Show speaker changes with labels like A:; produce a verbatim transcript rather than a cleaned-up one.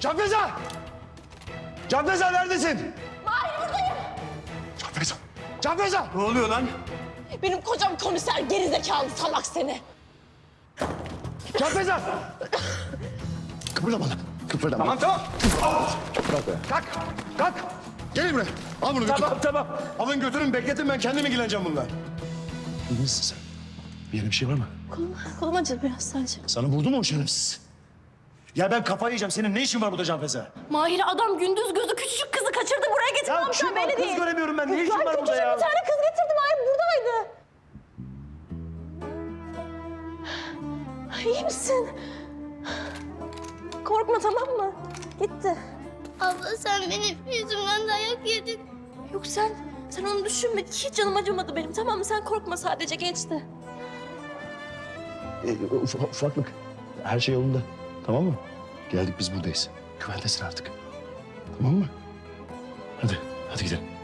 A: Canfeza! Canfeza neredesin?
B: Mahir buradayım.
A: Canfeza! Canfeza! Ne oluyor lan?
B: Benim kocam komiser gerizekalı salak seni.
A: Canfeza! Kıpırdama lan. Kıpırdama. Tamam tamam. Kalk. Kalk. Kalk. Gelin buraya. Al bunu götür. Tamam tamam. Alın götürün bekletin ben kendim ilgileneceğim bununla. İyi misin sen? Bir yerin bir şey var mı?
B: Kolum, kolum acıdı biraz sadece.
A: Sana vurdu mu o şerefsiz? Ya ben kafayı yiyeceğim. Senin ne işin var burada Canfeza?
B: Mahir adam gündüz gözü küçücük kızı kaçırdı buraya getirdi.
A: Ya
B: amca
A: kim var?
B: belli
A: Kız
B: değil.
A: göremiyorum ben. Ne işin
B: Lan
A: var burada
B: küçücük
A: ya?
B: bir tane kız getirdi Mahir buradaydı. İyi misin? Korkma tamam mı? Gitti.
C: Abla sen benim yüzümden dayak yedin.
B: Yok sen, sen onu düşünme. Hiç canım acımadı benim tamam mı? Sen korkma sadece geçti.
A: E, uf- ufaklık. Her şey yolunda. Tamam mı? Geldik biz buradayız. Güvendesin artık. Tamam mı? Hadi. Hadi gidelim.